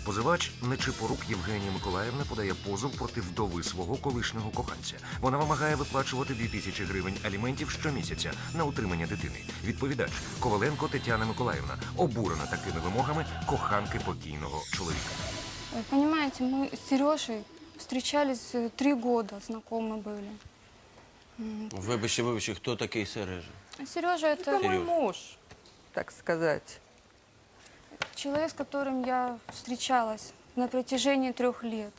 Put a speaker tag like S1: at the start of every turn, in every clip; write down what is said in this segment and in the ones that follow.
S1: Позивач Нечипорук Євгенія Миколаївна подає позов проти вдови свого колишнього коханця. Вона вимагає виплачувати 2000 гривень аліментів щомісяця на утримання дитини. Відповідач Коваленко Тетяна Миколаївна обурена такими вимогами коханки покійного чоловіка.
S2: Понимаете, мы с Сережей встречались 3 года, знакомы были.
S3: Вибачте, хто такий Сережа?
S2: Сережа – это
S4: Мой муж, так сказать.
S2: человек, с которым я встречалась на протяжении 3 лет.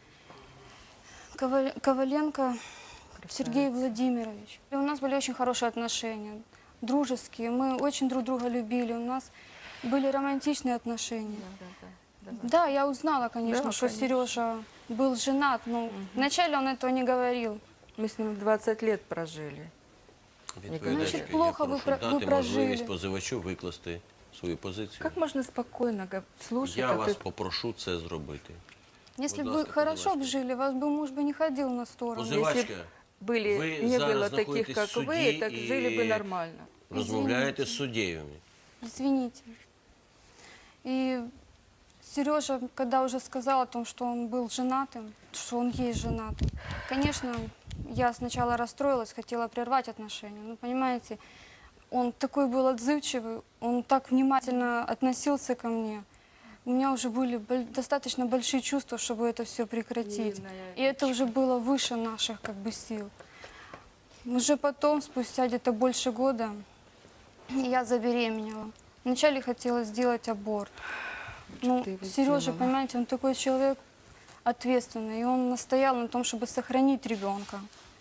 S2: Коваленко Сергей Владимирович. И у нас были очень хорошие отношения, дружеские. Мы очень друг друга любили. У нас были романтичные отношения. Да, я узнала, конечно,
S4: Да,
S2: что
S4: конечно.
S2: Сережа был женат, но вначале он этого не говорил.
S4: Мы с ним 20 лет прожили.
S3: Відповідачка,
S2: Значить, плохо
S3: я
S2: ви
S3: прошу дати
S2: прожили.
S3: можливість позивачу викласти свою позицію.
S4: Как можно спокойно слушать,
S3: Я
S4: как
S3: вас
S4: ты...
S3: попрошу це зробити.
S2: Если
S3: Будь
S2: бы вы
S3: ласка,
S2: хорошо бы
S3: позивачка.
S2: жили, вас бы муж бы не ходил на сторону.
S3: Позивачка,
S4: были,
S3: ви
S4: не
S3: зараз
S4: было таких,
S3: знаходитесь
S4: как
S3: в суді
S4: вы, так
S3: і
S4: жили бы нормально.
S3: розмовляєте з суддєю.
S2: Извините. И Сережа, когда уже сказал о том, что он был женатым, что он есть женатым, конечно, я сначала расстроилась, хотела прервать отношения. Но, понимаете, он такой был отзывчивый, он так внимательно относился ко мне. У меня уже были достаточно большие чувства, чтобы это все прекратить.
S4: Наивная
S2: И это уже было выше наших сил. Уже потом, спустя где-то больше года, я забеременела. Вначале хотела сделать аборт. Ну,
S4: ты его
S2: Сережа,
S4: сделала?
S2: понимаете, он такой человек ответственный, и он настоял на том, чтобы сохранить ребенка.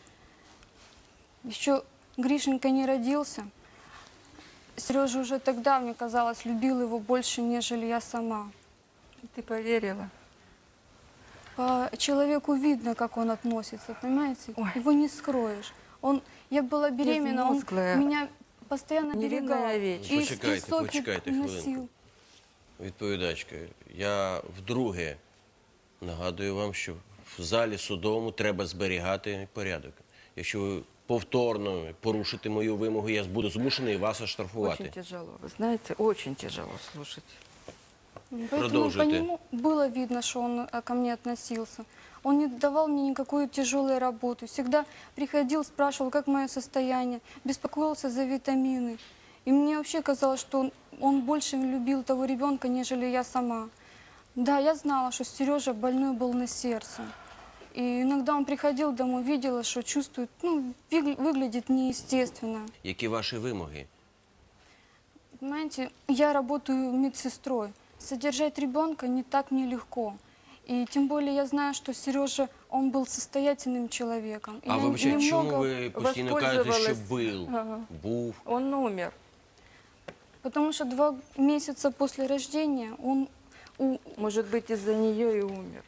S2: Еще Гришенька не родился. Сережа уже тогда, мне казалось, любил его больше, нежели я сама.
S4: Ты поверила?
S2: По человеку видно, как он относится, понимаете?
S4: Ой.
S2: Его не скроешь. Я была беременна, он
S4: Безмозглая,
S2: меня постоянно
S4: невинная
S2: берегал.
S4: овечка.
S2: И
S3: Почекайте,
S2: соки
S3: почекайте
S2: носил.
S3: хвилинку. Відповідачка, я вдруге нагадую вам, що в залі судовому треба зберігати порядок. Якщо ви повторно порушите мою вимогу, я буду змушений вас
S4: Очень
S3: оштрафувати.
S4: тяжело, вы знаете, очень тяжело слушать.
S2: Поэтому по
S3: Продолжите.
S2: нему было видно, что он ко мне относился. Он не давал мне никакой тяжелой работы. Всегда приходил, спрашивал, как мое состояние, беспокоился за витамины. И мне вообще казалось, что он больше любил того ребенка, нежели я сама. Да, я знала, что Сережа больной был на сердце. И иногда он приходил домой, видела, что чувствует, выглядит неестественно.
S3: Які ваші вимоги?
S2: Понимаете, я работаю медсестрой. Содержать ребенка не так нелегко. И тем более я знаю, что Сережа, он был состоятельным человеком. И
S3: А
S2: я
S3: вибачте, чому
S2: немного-
S3: ви постійно кажете, що
S4: воспользовалась-
S3: був?
S4: Он умер.
S2: Потому что 2 месяца после рождения он...
S4: Может быть, из-за нее и умер.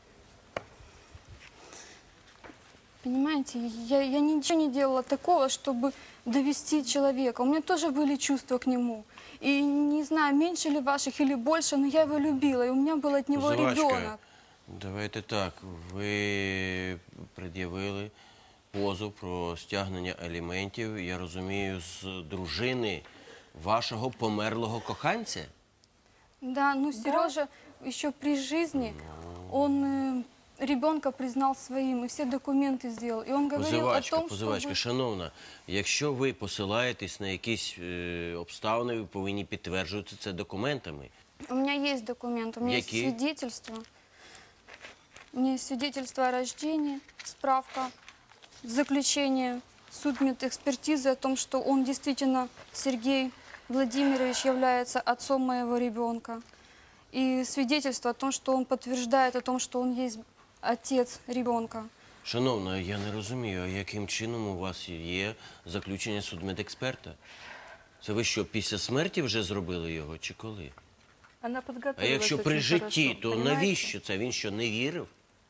S2: Понимаете, я ничего не делала такого, чтобы довести человека. У меня тоже были чувства к нему. И не знаю, меньше ли ваших или больше, но я его любила. И у меня был от него
S3: Позивачка,
S2: ребенок.
S3: давайте так. Ви пред'явили позов про стягнення аліментів, я розумію, з дружини вашого померлого коханця?
S2: Да, ну Сережа еще при жизни, он ребенка признал своим и все документы сделал. И он говорил о том,
S3: Позивачка,
S2: что...
S3: шановна, якщо ви посилаєтесь на якісь обставини, ви повинні підтверджувати це документами.
S2: У меня есть документ, у меня есть
S3: Какие?
S2: свидетельство. У меня есть свидетельство о рождении, справка, заключение судмедэкспертизы о том, что он действительно, Сергей Владимирович, является отцом моего ребенка. И свидетельство о том, что он подтверждает о том, что он есть отец ребенка.
S3: Шановна, я не розумію, а яким чином у вас є заключення судмедексперта? Це ви що, після смерті вже зробили його, чи коли?
S4: Она
S3: А
S4: подготовилась
S3: якщо при
S4: очень
S3: житті,
S4: хорошо,
S3: то
S4: понимаете?
S3: навіщо це? Він що, не вірив?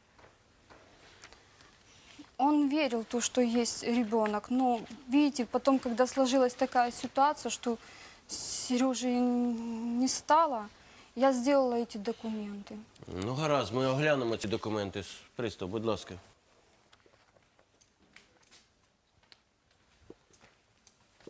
S2: Он верил в то, что есть ребенок, но, видите, потом, когда сложилась такая ситуация, что Сережи не стало, я сделала эти документы.
S3: Ну, гаразд, ми оглянемо ці документи. Пристав, будь ласка.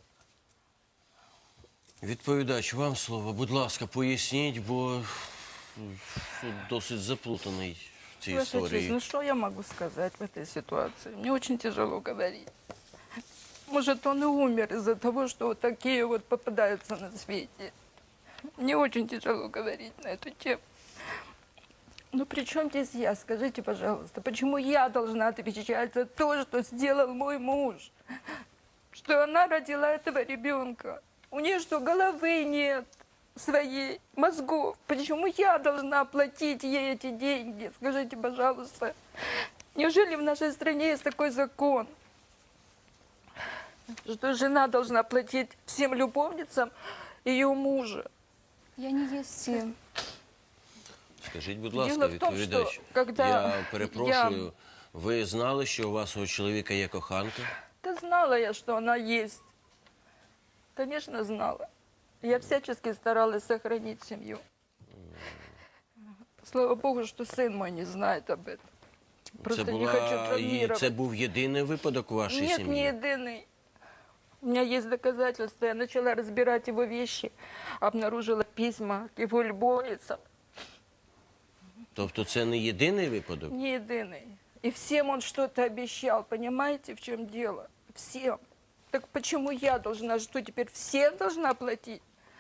S3: Відповідач, вам слово. Будь ласка, поясніть, бо Суд досить заплутаний в цій
S4: Ваша честь,
S3: історії.
S4: ну что я могу сказать в этой ситуации? Мне очень тяжело говорить. Может, он и умер из-за того, что вот такие вот попадаются на свете. Мне очень тяжело говорить на эту тему. Но при чем здесь я? Скажите, пожалуйста, почему я должна отвечать за то, что сделал мой муж? Что она родила этого ребенка? У нее что, головы нет своей, мозгов? Почему я должна платить ей эти деньги? Скажите, пожалуйста. Неужели в нашей стране есть такой закон, что жена должна платить всем любовницам ее мужа?
S2: Я не есть все.
S3: Скажіть, будь ласка,
S4: Діло в тому,
S3: відповідач,
S4: що, когда
S3: я перепрошую, ви знали, що у вашого чоловіка є коханка?
S4: Да знала я, что она есть. Конечно, знала. Я всячески старалась сохранить семью. Слава Богу, что сын мой не знает об этом. Просто не хочу травмировать.
S3: Це був єдиний випадок у вашій
S4: Нет,
S3: сім'ї?
S4: не единый. У меня есть доказательства. Я начала разбирать его вещи, обнаружила письма к его любовницам.
S3: Тобто це не єдиний випадок?
S4: Не единый. И всем он что-то обещал. Понимаете, в чем дело? Всем. Так почему я должна? Что теперь всем должна платить?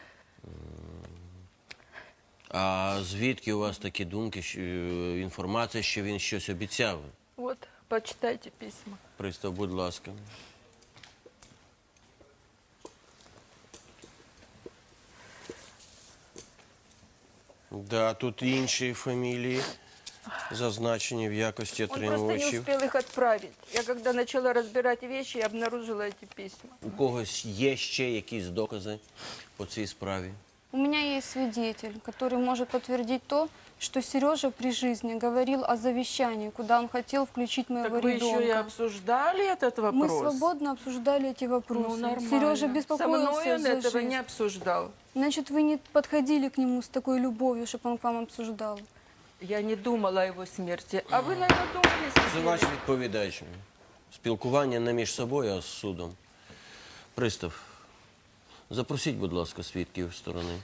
S3: А звідки у вас такі думки, інформація, що він щось обіцяв?
S4: Вот, почитайте письма.
S3: Пристав, будь ласка. Да, тут інші фамілії зазначені в якості
S4: Он просто не
S3: отримувачів.
S4: успел их отправить. Я когда начала разбирать вещи, я обнаружила эти письма.
S3: У когось є ще якісь докази по цій справі?
S2: У меня есть свидетель, который может подтвердить то, что Сережа при жизни говорил о завещании, куда он хотел включить моего
S4: Так вы
S2: ребенка.
S4: еще и обсуждали этот вопрос?
S2: Мы свободно обсуждали эти вопросы.
S4: Ну, нормально.
S2: Сережа
S4: Со
S2: беспокоился
S4: мной он
S2: за
S4: этого
S2: жизнь.
S4: не обсуждал.
S2: Значит, вы не подходили к нему с такой любовью, чтобы он к вам обсуждал.
S4: Я не думала о его смерти. А вы, наверное, думали
S3: Це
S4: себе?
S3: ваш відповідач. Спілкування не між собою, а з судом. Пристав, запросіть, будь ласка, свідків сторони.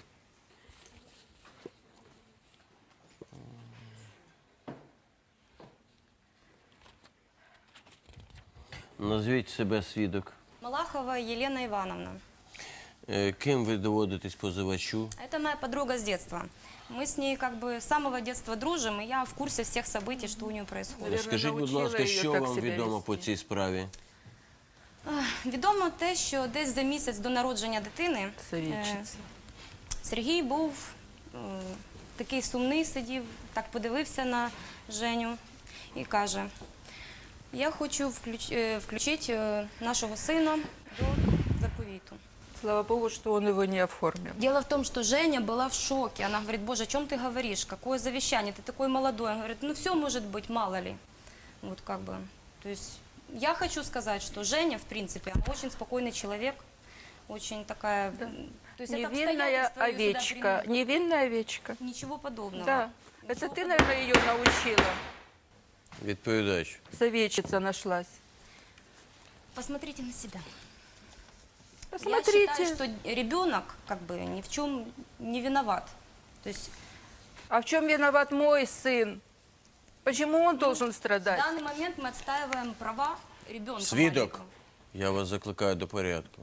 S3: Назвіть себе свідок.
S5: Малахова Елена Ивановна.
S3: Ким ви доводитесь позивачу?
S5: Это моя подруга с детства. Мы с ней как бы с самого детства дружим, и я в курсе всех событий, что у нее происходит.
S4: Наверное,
S3: Скажіть, будь
S4: научила
S3: ласка,
S4: її
S3: що
S4: так
S3: вам
S4: себе
S3: відомо
S4: вести.
S3: по цій справі?
S5: Відомо те, що десь за місяць до народження дитини
S4: Совідчиця.
S5: Сергій був такий сумний, сидів, так подивився на Женю і каже, я хочу включити нашого сина до заповіту.
S4: Слава Богу, что он его не оформил.
S5: Дело в том, что Женя была в шоке. Она говорит, боже, о чем ты говоришь? Какое завещание? Ты такой молодой. Он говорит, ну все может быть, мало ли. Вот как бы. То есть я хочу сказать, что Женя, в принципе, она очень спокойный человек. Очень такая... То есть это
S4: Невинная
S5: обстоятельства её сюда
S4: овечка.
S5: привели.
S4: Невинная овечка.
S5: Ничего подобного.
S4: Да. Это
S5: Ничего
S4: ты,
S5: подобного.
S4: наверное, ее научила.
S3: Відповідач.
S4: Совечица нашлась.
S5: Посмотрите на себя. Я
S4: Посмотрите.
S5: считаю, что ребенок как бы ни в чем не виноват. То есть
S4: А в чем виноват мой сын? Почему он должен
S5: в
S4: страдать?
S5: данный момент мы отстаиваем права ребенка.
S3: Свідок,
S5: маленького.
S3: я вас закликаю до порядку.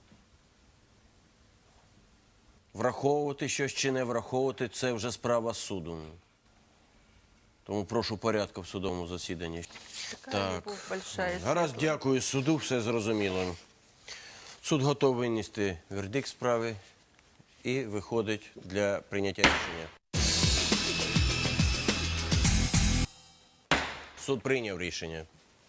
S3: Враховувати щось чи не враховувати – це вже справа суду. Тому прошу порядку в судовому засіданні.
S4: Такая любовь большая.
S3: Гаразд, дякую суду, все зрозуміло. Суд готовий винести вердикт справи і виходить для прийняття рішення. Суд прийняв рішення.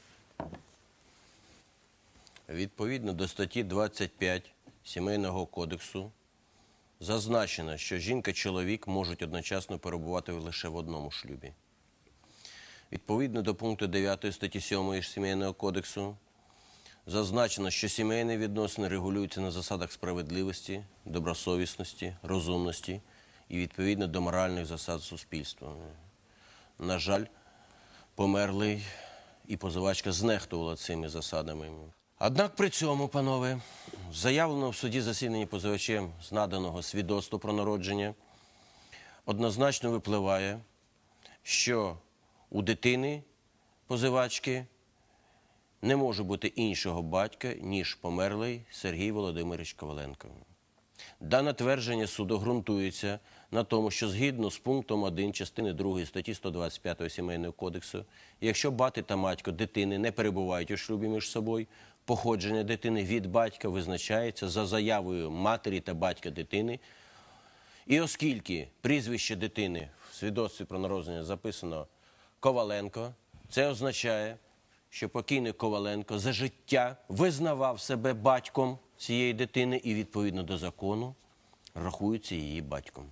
S3: Відповідно до статті 25 Сімейного кодексу зазначено, що жінка і чоловік можуть одночасно перебувати лише в одному шлюбі. Відповідно до пункту 9 статті 7 Сімейного кодексу зазначено, що сімейні відносини регулюються на засадах справедливості, добросовісності, розумності і відповідно до моральних засад суспільства. На жаль, померлий і позивачка знехтувала цими засадами. Однак при цьому, панове, заявлено в суді засіданні позивачем з наданого свідоцтва про народження, однозначно випливає, що у дитини позивачки не може бути іншого батька, ніж померлий Сергій Володимирович Коваленко. Дане твердження суду ґрунтується на тому, що згідно з пунктом 1 частини 2 статті 125 Сімейного кодексу, якщо батько та матько дитини не перебувають у шлюбі між собою, походження дитини від батька визначається за заявою матері та батька дитини. І оскільки прізвище дитини в свідоцтві про народження записано Коваленко, це означає, що покійний Коваленко за життя визнавав себе батьком цієї дитини і, відповідно до закону, рахується її батьком.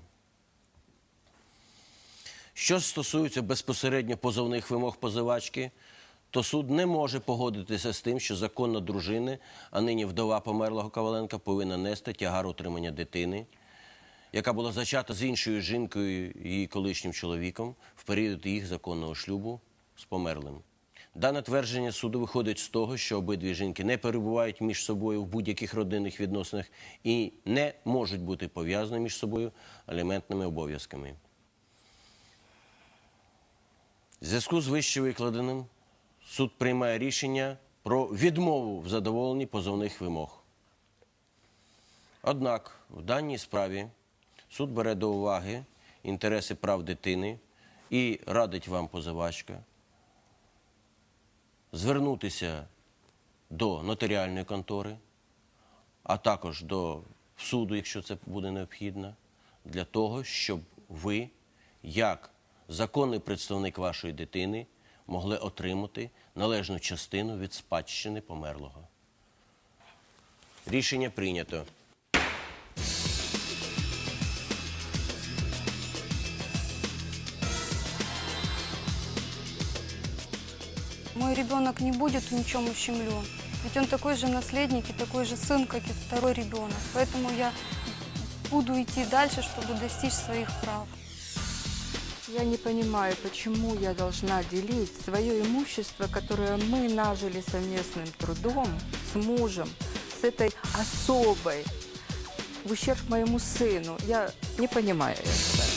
S3: Що стосується безпосередньо позовних вимог позивачки, то суд не може погодитися з тим, що законна дружина, а нині вдова померлого Коваленка, повинна нести тягар утримання дитини, яка була зачата з іншою жінкою, її колишнім чоловіком, в період їх законного шлюбу з померлим. Дане твердження суду виходить з того, що обидві жінки не перебувають між собою в будь-яких родинних відносинах і не можуть бути пов'язані між собою аліментними обов'язками. В зв'язку з вище викладеним суд приймає рішення про відмову в задоволенні позовних вимог. Однак в даній справі суд бере до уваги інтереси прав дитини і радить вам, позивачка, звернутися до нотаріальної контори, а також до суду, якщо це буде необхідно, для того, щоб ви, як законний представник вашої дитини, могли отримати належну частину від спадщини померлого. Рішення прийнято.
S2: Мой ребенок не будет ничем ущемлен. Ведь он такой же наследник и такой же сын, как и второй ребенок. Поэтому я буду идти дальше, чтобы достичь своих прав.
S4: Я не понимаю, почему я должна делить свое имущество, которое мы нажили совместным трудом с мужем, с этой особой, в ущерб моему сыну. Я не понимаю этого.